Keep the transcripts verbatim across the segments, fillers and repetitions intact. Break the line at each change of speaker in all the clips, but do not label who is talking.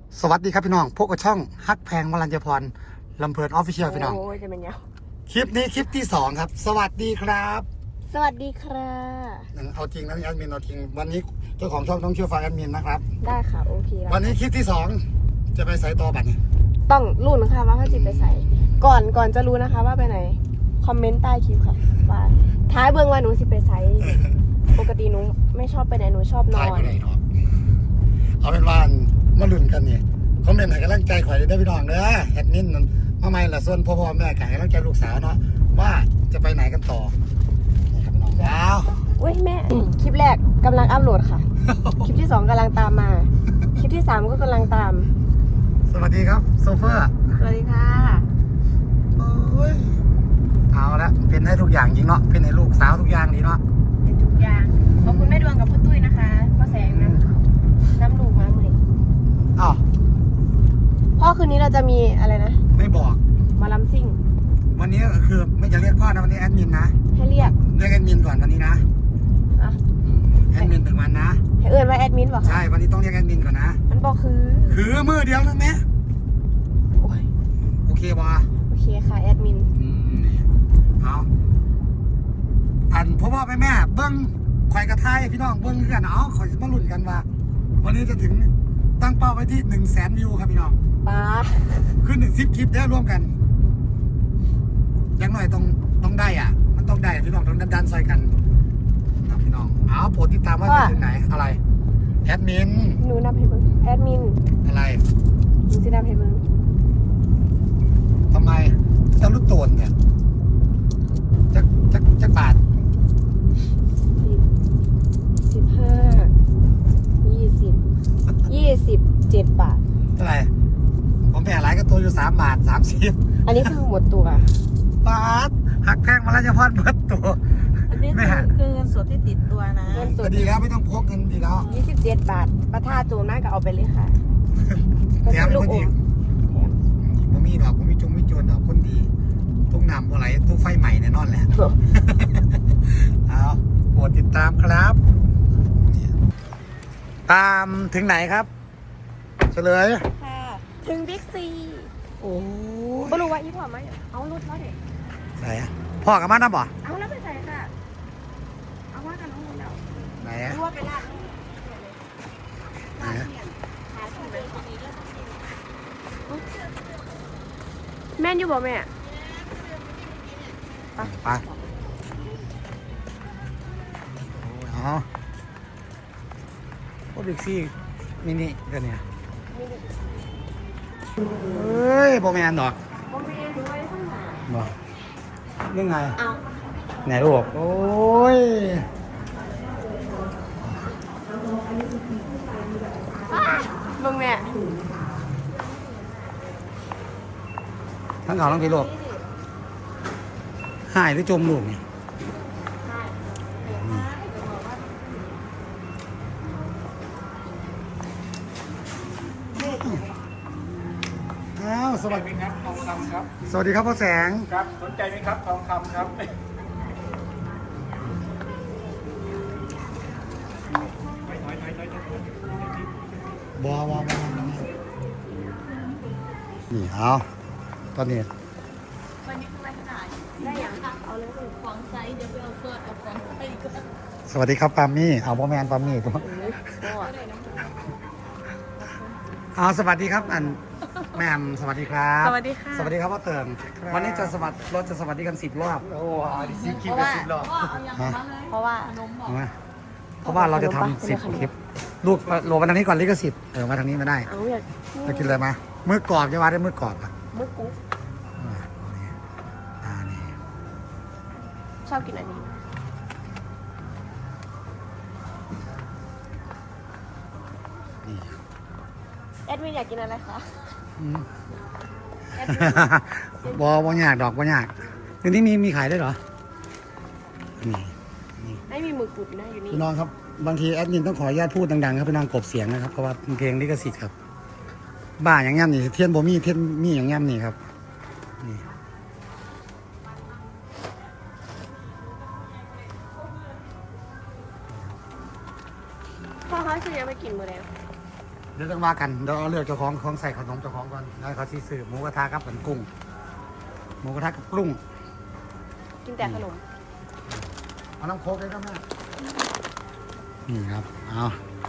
สวัสดีครับพี่น้องพวกกับช่องฮักแพงวรัญญพรลำเพลินออฟฟิเชียลพี่น้อง
โอ้ยจะเป็นยัง
คลิปนี้คลิปที่สองครับสวัสดีครับ
สวัสดีค่ะ
เอาจริงนะแอดมินเอาจริงวันนี้เจ้าของช่องต้องเชื่อฟังแอดมินนะครับ
ได้ค่ะโอเคแล้ว
วันนี้คลิปที่สองจะไปใส่ต่อบัตรนี่
ต้องรู้นะคะว่าเขาจิไปใส่ ก่อนก่อนจะรู้นะคะว่าไปไหน คอมเมนต์ใต้คลิปค่ะว่าท้ายเบื้องว่าหนูสิไปใส่ ปกติหนูไม่ชอบไปไหนหนูชอบน
ถ่า
อย น
ไปไหนเนาะเอาเป็นว่ามาลุ้นกันนี่คอมเมนต์ให้กำลังใจข่อยได้พี่น้องเด้อแอดมินนั่นมาไม่ละส่วนพ่อพ่อแม่ไก่กำลังใจลูกสาวเนาะว่าจะไปไหนกันต่อนี่ครับพี่น้องว้าว
อุ้ยแม่ คลิปแรกกำลังอัพโหลดค่ะ คลิปที่สองกำลังตามมา คลิปที่สามก็กำลังตาม
สวัสดีครับโซเฟอร์
สวัสดีค่ะ
โอ้ยเอาละเป็นให้ทุกอย่างจริงเนาะเป็นให้ลูกสาวทุกอย่างดีเนาะ
เป็นทุกอย่างขอบคุณแม่ดวงกับพ่อตุ้ยนะคะพ่อแสงน้ำน้ำลูกมาเลย
อ้าว
พ่อคืนนี้เราจะมีอะไรนะ
ไม่บอก
มาลำซิ่ง
วันนี้ก็คือไม่จะเรียกพ่อนะวันนี้แอดมินนะ
ให้เรียก
เรียกแอดมินก่อนวันนี้นะ
อ่ะ
อืมแอดมินถึงวันนะ
ให้เอื่นว่าแอดมินบอก
ใช่วันนี้ต้องเรียกแอดมินก่อนนะ
มันบอกคือ
คือมือเดียวนะแม่
โอ้ย
โอเคบ่
โอเคค่ะแอดมิน
อืมเอาอันพ่อพ่อแม่แม่เบิ้งข่อยกระทายพี่น้องเบิ้งกันเอาข่อยมาลุ้นกันว่า วันนี้จะถึงตั้งเป้าไว้ที่หนึ่งแสนวิวครับพี่น้อง
ป้า
ขึ้นหนึ่งสิบคลิปได้ร่วมกันอยังหน่อยต้องต้องได้อ่ะ มันต้องได้พี่น้องต้องดันดันๆใส่กันครับพี่น้องเอาโปรดติดตามว่าจะถึงไหนอะไรแอดมิน
หนูนับให้เบิ้งแอดมิน
อะไร
หนูสินับให้เบิ้ง
ทำไมเจ้าลูกโตนเนี่ยจักจักจักบาท
สิบสิบห้ายี่สิบยี่สิบเจ็ดบาท
เท่าไหร่ผมแผ่หลายก็ตัวอยู่สามบาทสามสิบ
อันนี้คือหมดตัว
บาทหักแพงมาแล้วจะพอดเบิดตัว
อันนี้
ไม่
คือ
หัก
คือเงินสดที่ติดตัวนะ
เงินส
ก็
ด
ดีแล้วไม่ต้องพกเงินดีแล้ว
ยี่สิบเจ็ดบาทประท่าโจรมากก็เอาไปเลยค่ะก็
แถม
ซื้อลู
ค
ก
น
อ
ดี
มแถม
ผมมีดอกผมมีจงมีโจรดอกคนดีทุกนำอะไรทุกไฟใหม่แน่นอนแหละ เอาโปรดติดตามครับ ตามถึงไหนครับ เฉลย
ค่ะ ถึงบิ๊กซี
โอ้
ไม่รู้ว่าอีพ่อไหมเอารถมาเด็ก
ไหนอะพ่อกับมาน้ำบ่
เอาแล้วไปใส่ค่ะ เอาว่ากันน้องมูลแล้ว
ไหนอะ
รู้ว่าไปลาด
ไหนอะ
แม่นอยู่บ่แม่
ไปอ๋อโอ้บิ๊กซี่มินิกันเนี่ยเฮ้ยโบแมนดอก
บ่แม่นด้วยข้างหลัง
บอกยังไง
เอา
ไหนลูกโอ้ย
เบิ่งแม่
ทั้งเขาทั้งพี่ลูกหายหรือจมลูกเนี่ยอ้าวสวัสดี
ครับทองคำครับ
สวัสดีครับพ่อแสง
ครับสนใจไหมครับทองคำครับไม่ถอยถอยถอยถอย
บอบอบอนี่เอาตอนนี้
วันนี้คือวันขายได้อย่างเอาเลยของไซส์เดี๋ยวไปเอาเฟิร์สเอาของไซส์ก็
สวัสดีครับปามี่เอาพ่อแมนปามี่ตัวเอาสวัสดีครับอันแหม่มสวัสดีครับ
สวัสดีค่ะ
สวัสดีครับพ่อเติมวันนี้จะสวัสดีรถจะสวัสดีกันสิบรอบ
โอ้ยซีคิวเป็นสิบรอบ
ฮะ
เพราะว่า
เอาไหมเพราะว่าเราจะทำสิบคลิปลูกโหลดมาทางนี้ก่อนลิขสิทธิ์เออมาทางนี้ไม่ได้
เอาอยาก
จะกินอะไรมามือกรอบจะว่าได้มือกรอบอ่ะ
มึกกุ๊ก
อ่านี่อ่านี่
ชอบกินอันนี้
นี่
แอดมินอยากกินอะไรคะ
อืม
แอดมิน
บอบอยากดอกบอยากเดี๋ยวนี้มีมีขายได้วยเหรอนี่
ไม่มีหมึกกุดนะอยู่นี่
พี่น้องครับบางทีแอดมินต้องขออนุญาตพูดดังๆครับพี่น้องกบเสียงนะครับเพราะว่าเป็นเพลงลิขสิทธิ์ครับบ้าอย่างงี้นี่เทียนโบมี่เทียนมีอย่างงี้นี่ครับนี่
พ่อเขาจะยังไปกินมือแล้ว
เดี๋ยวต้องว่ากันเดี๋ยวเอาเลือกเจ้าของของใส่ขนมเจ้าของก่อนแล้วเขาซีซื้อหมูกระทะกับเป็นกุ้งหมูกระทะกับกุ้ง
กินแต่ขนม
เอาน้ำโค้กเลยครับแม่นี่ครับเอา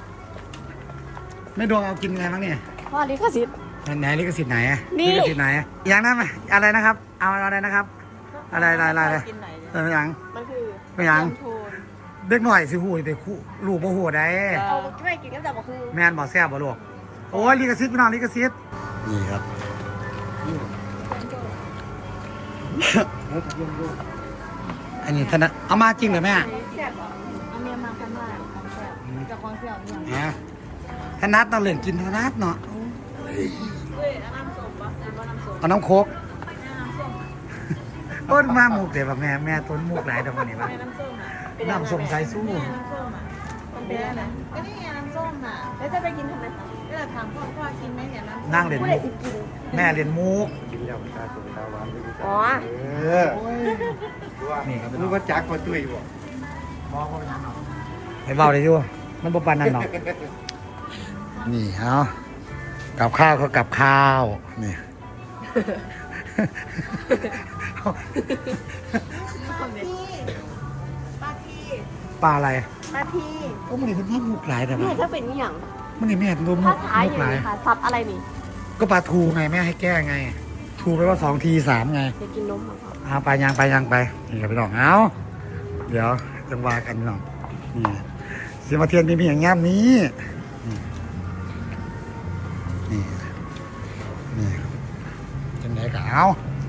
ไม่ดวงเอากินไงบ้างเนี่ย
พ่อลิขสิทธิ์
ไหนลิขสิทธิ์ไหนอะ
นี่
ลิขสิทธิ์ไหนอะอย่างนั้นไหมอะไรนะครับ เอาอะไรนะครับ อะไรอะไรอะไรอะไร
กินไหนเนี่ย
เออไม่ยัง
มันคือ
ไม่ยัง
โทน
เด็กหน่อยสิหูยแต่คู่ลูกบ่หูได้
เอาไม่กินก็จะบอกคือ
แม่นบอกแซ่บบ่ลูกโอ้ยลิขสิทธิ์พี่น้องลิขสิทธิ์นี่ครับอันนี้ท่านนะเอามาจริงเหรอแม่
แซ่บเหรอเอาเมียมาคันว่าของแซ่บกับของแซ่บเนี่ย
ฮะธนัดเราเล่นกินธนัดเนาะ
เฮ้ยน้ำส้มปะน้ำน้ำส้ม
เอาน้ำโค้ก
น้ำส้ม
โอ้ยมาหมูกเดี๋ยวแม่แม่ต้นหมูกหลายตรงนี้วะ
แม่น้ำส้มอ่ะ
น้ำส้มสายสู้
แม่น้ำส้มอ่ะมันเป็นอะไรก็นี่ไงน้ำส้มอ่ะ
แล้วจะไปกินทำไมคะ
ก็เลยถามพ่อพ่อกินไหมเนี่ยน้ำส้ม
นั่งเล่น
ผู้
มุ
ใด
ก
สิกิน
แม่เล่นมุก
กินแล้วตาสุกตาหวานด้วย
อ๋อ
เออ
นี่ครับรู้ว่าจักมาตุ้ยบ่
ไปเบาเลยอยู่มันบ่ปานนั่นหรอกนี่เอากับข้าวก็กับข้าวนี่
ป้าพี่
ปลาอะไร
นาที
ก็มันนี่เป็นภาพมุกหลายแต่
นี่
ว่า
ถ้าเป็นอหย่าง
มันนี่แม่ตัวมุ
ภาก ษาอ
มุก
ย่าง
หลาย
นี้ค่ะซับอะไรนี่
ก็ปลาทูไงแม่ให้แก้ไง ทูไปว่าสองทีสามไง
อยากกินนมเหรอคะ
เอาไปยังไปยังไปนี่ครับพี่น้องเอาเดี๋ยวจังหวะกันพี่น้องนี่สิมาเทียนมีมีอย่างงามนี้นี่นี่นี่จังไหนก็เอา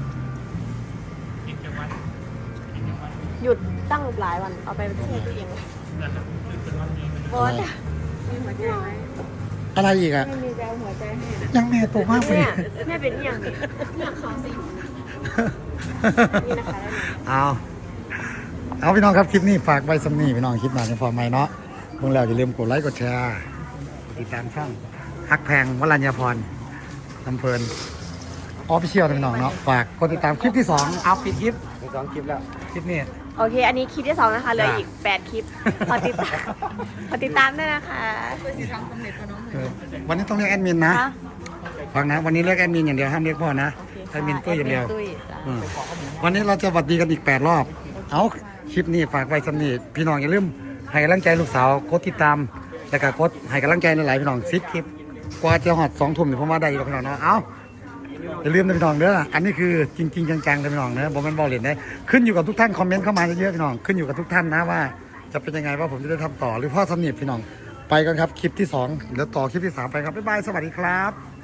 หยุดตั้งหลายวันเอาไปที่ตัวเองบอส
มีหัวใจไหม
อะไรอีกอะ
ไม่มีแววหัวใจให้นะ
ยังแม่โตมากเลย
แม่แม่เป็นอหย่างนี้อยากเขาสินี่นะคะได้ไหม
เอาเอาพี่น้องครับคลิปนี้ฝากไว้สำนีพี่น้องคลิปหน้าจะพอไหมเนาะเมื่อแล้วอย่าลืมกดไลค์กดแชร์กดติดตามช่องฮักแพงวรัญญาพรลำเพลินออฟฟิเชียลนะพี่น้องเนาะฝากกดติดตามคลิปที่สองเอาปิดคลิป
มีสองคลิปแล้ว
คลิปนี้
โอเค อันนี้คลิปที่สองนะคะเหลือ
จ้ะ
อีกแปดคลิปฝากติดตามฝากติดตามด้วยนะคะ
เคยสิทำสำเร็จกับน้อง
เออวันนี้ต้องเรียกแอดมินนะ
คะ
ฟังนะวันนี้เรียกแอดมินอย่างเดียวห้ามเรียกพ่อนะ
โอเค
แอดมินตุ้ยอย่างเดียว
ตุ้ยจ้ะ
อืมวันนี้เราจะหวัดดีกันอีกแปดรอบ เอาคลิปนี้ฝากไว้สำนีพี่น้องอย่าลืมให้กำลังใจลูกสาวกดติดตามแล้วก็กดให้กำลังใจหลายๆพี่น้องซิปคลิปกว่าจะหอดสองทุ่มเนี่ยผมว่าได้อยู่แล้วพี่น้องเนาะเอาอย่าลืมนะพี่น้องเด้ออันนี้คือจริงๆจังๆนะพี่น้องเนอะผมเป็นบอลเล่นได้ขึ้นอยู่กับทุกท่านคอมเมนต์เข้ามาเยอะๆพี่น้องขึ้นอยู่กับทุกท่านนะว่าจะเป็นยังไงว่าผมจะได้ทำต่อหรือพ่อสำนีพี่น้องไปกันครับคลิปที่สองเดี๋ยวต่อคลิปที่สามไปครับบ๊ายบายสวัสดีครับ